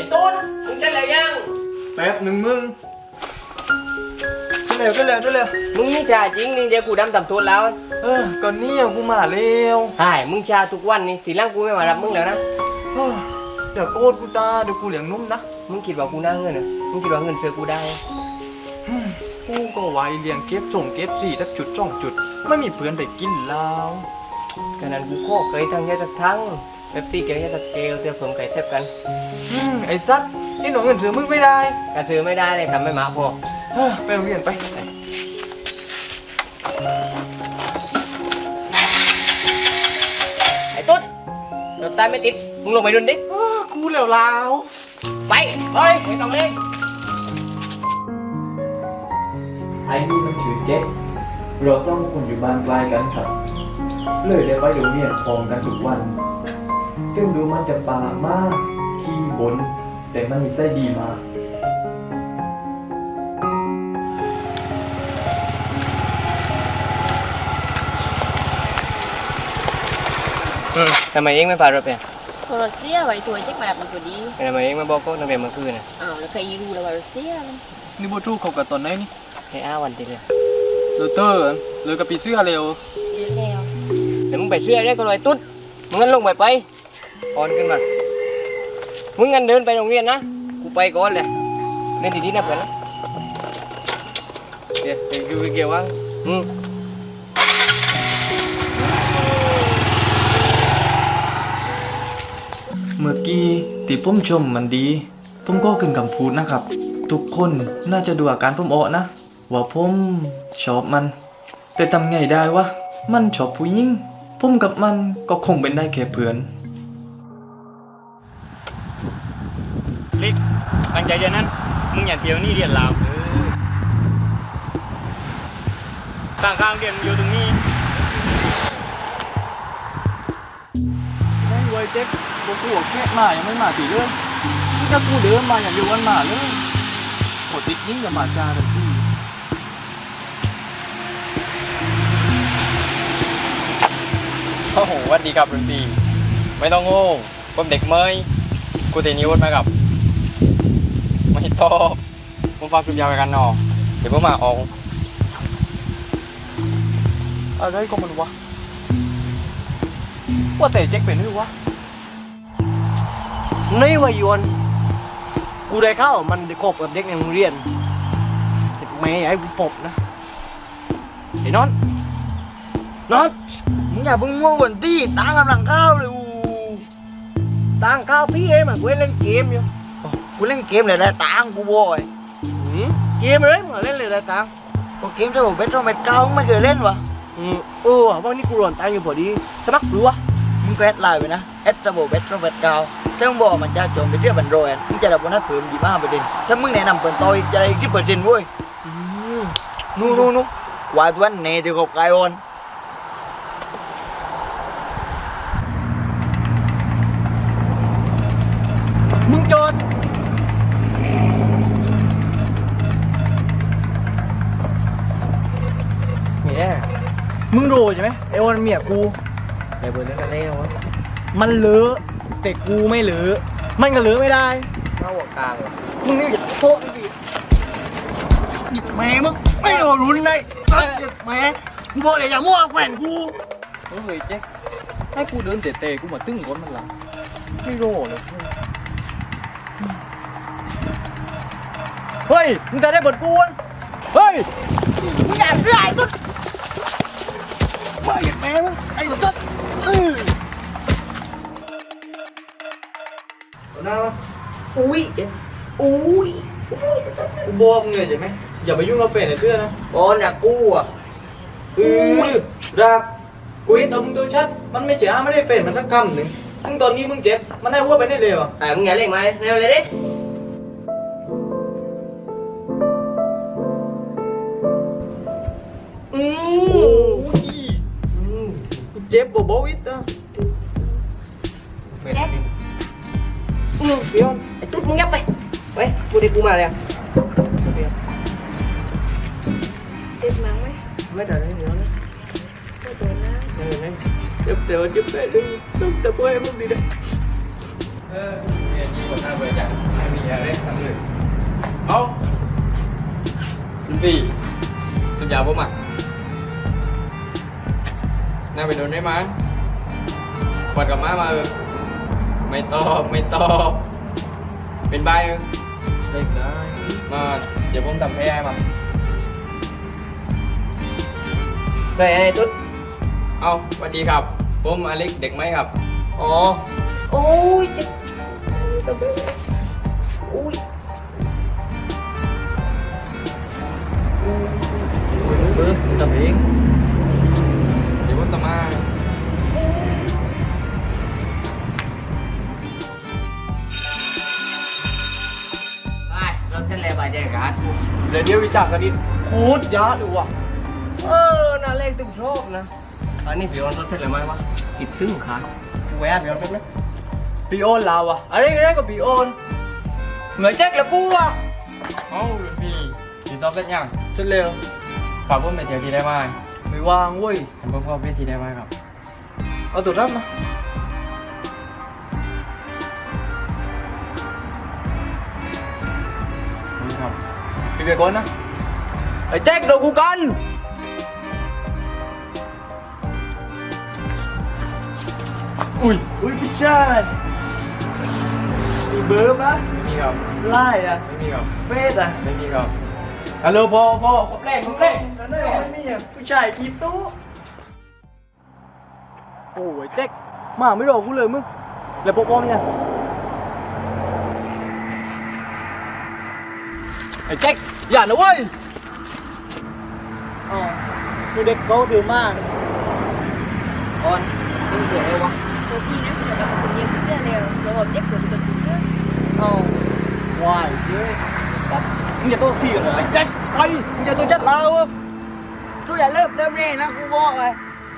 ตุ้นมึงจะอะไรยังแป๊บหนึ่งมึงเร็วมึงนี่จ่าจริงนี่เดี๋ยวกูดำต่ำทุนแล้วก่อนนี้กูมาเร็วใช่มึงจ่าทุกวันนี่ทีหลังกูไม่มารับมึงแล้วนะเดี๋ยวโกดกูตาเดี๋ยวกูเลี้ยงนุ่มนะมึงคิดว่ากูน่าเงินเหรอมึงคิดว่าเงินเจอกูได้กูก็ไว้เลี้ยงเก็บส่งเก็บสี่สักจุดจุดไม่มีเพื่อนไปกินแล้วขนาดกูโคเคยทั้งยาสักทั้งเบบซี่เกลียสักเกลเดี๋ยวผมไก่เซฟกันไอ้ซัดนี่หนูเงินซื้อมึงไม่ได้การซื้อไม่ได้เลยครับไม่มาพอไปโรงเรียนไปไอ้ตุ๊ดรถตายไม่ติดมึงลงไปดุนดิกูเหลวลาวไปไม่ต้องเล่นไอ้นี่มันชื่อเจ๊เราสองคนอยู่บ้านใกล้กันครับเลยได้ไปโรงเรียนพร้อมกันทุกวันถึงดูมันจะป่ามากขี้บนแต่มันมีไส้ดีมากทำไมเองไม่พารถไปโทรเสียไว้ตัวเจ๊กมาดับมันตัวดีทำไมเองไม่บอกก็นักเรียนเมื่อคืนน่ะแล้วเคยรู้แล้วว่ารถเสียนี่บูทูเขากับตอนไหนนี่ให้วันทีเลยเตอร์เลยกับปีเสื้อเร็วเดี๋ยวมึงไปเสื้อได้ก็เลยตุ๊ดมึงงั้นลงไปอ่อนขึ้นมามึงงั้นเดินไปโรงเรียนนะกูไปก่อนเลยเล่นดีๆนะเพื่อนนะเดี๋ยวดูเกี่ยวว่าเมื่อกี้ที่ผมชมมันดีผมก็ขึ้นคำพูดนะครับทุกคนน่าจะดูอาการผมออกนะว่าผมชอบมันแต่ทำไงได้วะมันชอบผู้หญิงผมกับมันก็คงเป็นได้แค่เพื่อนลิกตั้งใจเรียนนั้นมึงอย่าเที่ยวนี่เรียนลาวต่างข้างเรียนอยู่ตรงนี้ไม่ไว้เจ๊กกูแค่มายังไม่มาตีเรื่องถ้ากูเดินมาอย่างเดียววันมาเลยโหติดยิ่งกับมาจาเลยพี่โอ้โหวันดีครับรุ่นพี่ไม่ต้องโง่ผมเด็กเมย์กูเตนิวมากับไม่ตอบผมฟังคลิปยาวไปกันหนอเดี๋ยวผมมาออกอะไรก็มันวะว่าแต่เจ๊กเป็นหรือวะนี่วายวนกูได้เข้ามันได้คบกับเด็กในโรงเรียนแม่ไอ้กูปบนะไอ้นอนมึงอย่าเพิ่งง่วงก่อนดิตั้งกำลังข้าวเลยตั้งข้าวพี่เองมันกูเล่นเกมอยู่กูเล่นเกมเลยได้ตังกูบ่อยเกมเลยมาเล่นเลยได้ตังก็เกมที่ผมเป็นช่องเม็ดเก้าไม่เคยเล่นวะวันนี้กูหล่นตังอยู่พอดีสมัครรู้วะมึงก็แอดไลน์ไปนะแอดระบบเบ็ดช่องเม็ดเก้าถ้ามึงบอกมันจะโจมไปเรื่องบันโรยมึงจะได้โบนัสเพิ่ม25%ถ้ามึงแนะนำเปิดต่อยจะได้10%เว้ยนู่วาดวันเนติกบไกออนมึงโจทย์เนี่ยมึงรู้ใช่ไหมไอออนเมียกูไอ้เบอร์นั้นก็เล่นวะมันเลอะแต่กูไม่เลอะมันก็เลอะไม่ได้เข้าหัวกลางเหรอมึงนี่อย่าโทษดิหยิบแม่มึงไม่โดนรุนเลยหยิบแม่กูบอกเลยอย่ามั่วแขวนกูเฮ้ยเจ๊ให้กูเดินเตะกูมาตึ้งก้นมันหลังไม่โดนเลยเฮ้ยมึงจะได้บทกูนเฮ้ยมึงอย่าเรื่อยตุ๊ดไม่หยิบแม่มึงไอ้ตุ๊ดอุ้ยกูบอกมึงเลยใช่ไหมอย่าไปยุ่งกับแฟนในเสื้อนะบอลน่ะกูอ่ะรักกูเห็นตัวมึงตัวชัดมันไม่เจ๋อไม่ได้แฟนมันสักคำหนึ่งทั้งตอนนี้มึงเจ็บมันได้หัวไปได้เลยว่ะมึงอย่าเล่นมาเร็วเลยดิเจ็บบ่บ่วิทย์อ่ะเดี๋ยวไอ้ตุ๊ดมึงยับไปกูได้กูมาแล้วเจ็บมั้งไหมไม่เดี๋ยวนะไม่ตัวนะเจ็บแต่ว่าเจ็บได้ด้วยต้องแต่พวกไอ้มึงดีนะเรียนที่คนหน้าเบื่อจังไม่มีอะไรทำเลยเอารุ่นพี่สุดยาวปุ๊บอ่ะน่าไปโดนได้มั้ยกวาดกับม้ามาไม่ตอบเป็นใบเด็กได้มาเดี๋ยวผมทำให้มาได้ไอ้ตุ๊ดเอาสวัสดีครับผมอเล็กเด็กไหมครับอ๋อโอ้ยเจ็บอุ้ยเบิร์ดมึงทำเองเดี๋ยวผมทำมาไปเราเส้นแล้วไปแจกันเดี๋ยววิจารณ์กันดิโคตรยาดูว่ะน่าเล่นตุ้มชอบนะอันนี้พี่ออนรถเส้นอะไรไหมวะคิดถึงค่ะกูแวะพี่ออนเป็นไหมปีโอนเราอะอะไรก็ปีโอนเหนื่อยแจ็คแล้วกูอะเอ้ารุ่นพี่พี่ชอบเล่นยังจะเร็วฝากผมไปเที่ยวที่ได้ไหมไม่ว่างเว้ยเห็นผมเข้าไปที่ได้ไหมครับเอาตัวรับมานี่ครับไปเบียร์ก่อนนะไอ้แจ็คโดนกูกันอุ้ยพี่ชายมีเบอร์ปะไม่มีครับไล่อะไม่มีครับเฟสอะไม่มีครับฮัลโหลพ่อผมเล่นนั่นเลยไม่มีอะผู้ชายกีตู้โอ้ยแจ็คมาไม่รอกูเลยมึงแล้วโปอมเนี่ยไอ้แจ็คอย่านะเว้ยอ๋อคือเด็กเขาถือมากออนมึงเสียอะไรวะตัวพี่นะแต่ว่าคนเดียวเชื่อเร็วเราบอกเจ็บปวดจนถึงเรื่องเอาวายเชื่อครับมึงอย่าโต้ที่กันเลยแจ็คไปมึงอย่าตัวจัดเรากูอย่าเริ่มเดิมนี่นะกูบอกเลย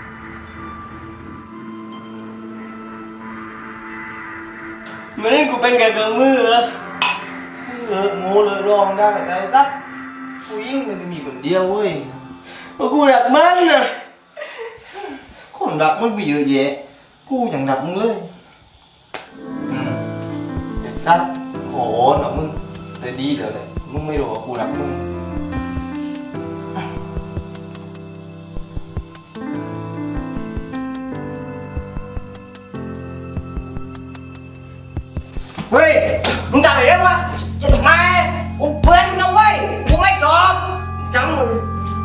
เหมือนกูเป็นแค่เครื่องมือเหรอเลิกโง่เลิกร้องได้แต่ไอ้สัตว์กูยิ่งมันมีคนเดียวเว้ยเพราะกูรักมันนะคนรักมึงไปเยอะแยะกูยังรักมึงเลยไอ้สัตว์ขอหน่อยมึงแต่ดีเดี๋ยวเลยมึงไม่รู้ว่ากูรักมึงเฮ้ยมึงทำอะไรวะจะทำไมกูเพื่อนมึงนะเว้ยกูไม่ตอบจังมึง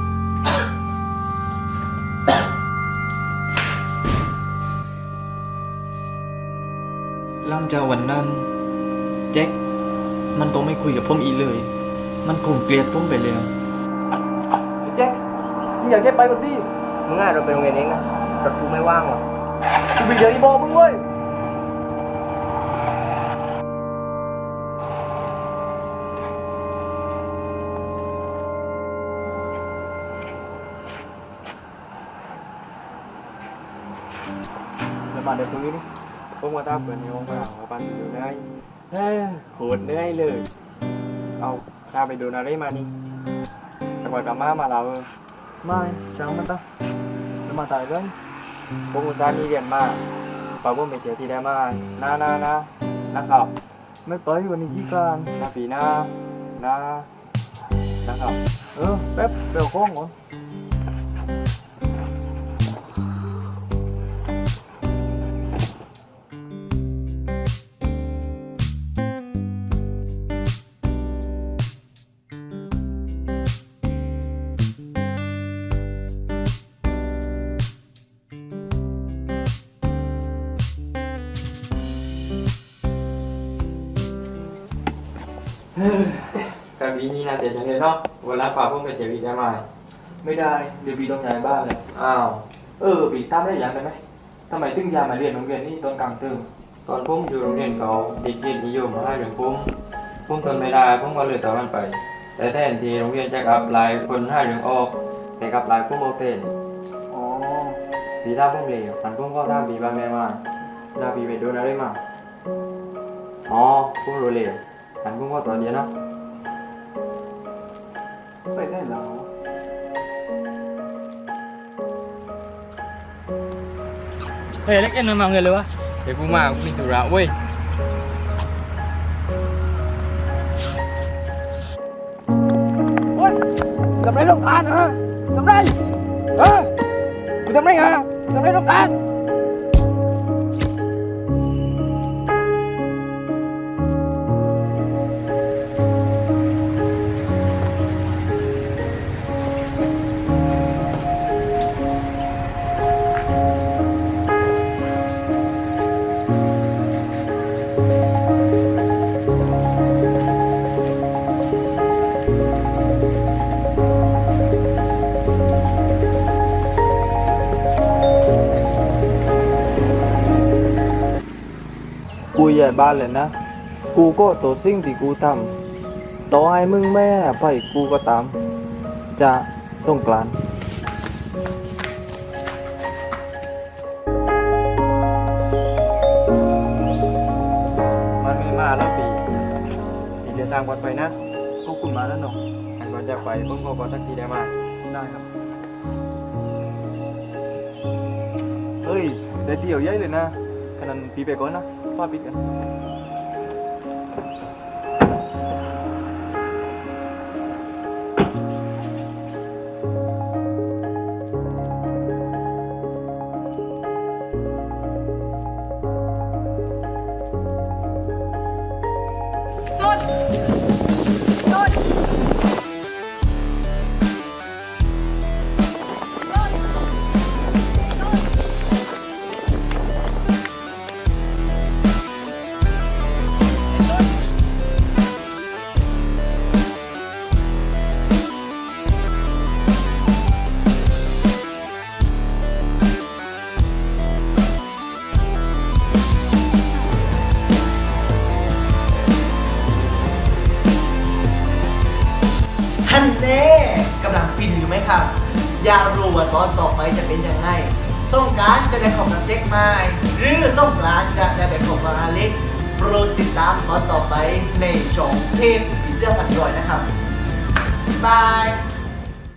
หลังจากวันนั้นแจ็คมันต้องไม่คุยกับผมอีกเลย มันคงเกลียดผมไปแล้วแจ็คมึงอยากแค่ไปก่อนดิมึงอ่ะเราไปโรงเรียนเองนะรถกูไม่ว่างว่ะกูไปเจออีบอมึงเว้ยแล้วมาเดี๋ยวตรงนี้ดิผมมาตามเพื่อนในห้องว่างมาปันอยู่ได้เฮ้ยโคตรเหนื่อยเลยเอาถ้าไปดูนารีมานี่จังหวัดกามาเราไม่ช่างมันตะแล้วมาตายเลยผมอุตส่าห์นี่เรียนมาฝากผมไปเที่ยวที่ได้มานะครับไม่ไปวันนี้ขี้การปีหน้านะครับแป๊บเดี๋ยวข้องก่อนแต่ปีนี้นะเดี๋ยวจะเลยเนาะวันละฝากผมไปเที่ยวอีกได้ไหมไม่ได้เดี๋ยวบีต้องย้ายบ้านเลยอ้าวบีตามได้ยังได้ไหมทำไมถึงย้ายมาเรียนโรงเรียนนี่ตอนกลางเทอมตอนผมอยู่โรงเรียนเก่าเด็กเรียนนิยมมาให้เรื่องผมทนไม่ได้ผมก็เลยตามมันไป แต่แทนที่โรงเรียนจะกลับหลายคนให้เรื่องออกแต่กลับหลายผมเอาเต้นอ๋อปีท่าผมเลวอันผมก็ท่าปีบางแน่มาลาปีไปโดนอะไรมาอ๋อผมรู้เลวอันผมก็ตัวเดียวเนาะไปได้แล้ว เฮ้ยเล็กเอ็นมาเงินเลยวะเดี๋ยวกูมากูมีธุระเว้ยทำไรต้องการฮะทำไรกูทำไรฮะทำไรต้องการกูใหญ่บ้านเลยนะ กูก็ตัวสิ่งที่กูทำต่อให้มึงแม่ไปกูก็ตาม จะสงกรานต์มันไม่มาแล้วปีเดินทางปลอดภัยนะขอบคุณมาแล้วเนาะอันก่อนจะไปผมขอสักทีได้ไหมได้ครับ เฮ้ยได้เดี่ยวใหญ่เลยนะขนาดปีไปก่อนนะฟ้าปิดกันท่านแน่กำลังฟินอยู่ไหมครับ อยากรู้ว่าตอนต่อไปจะเป็นยังไงสงกรานต์จะได้ของกับเจ๊กไม้หรือสงกรานต์จะได้เป็นของกับอาเล็กโปรดติดตามตอนต่อไปในช่องเทพผีเสื้อพันรอยนะครับบาย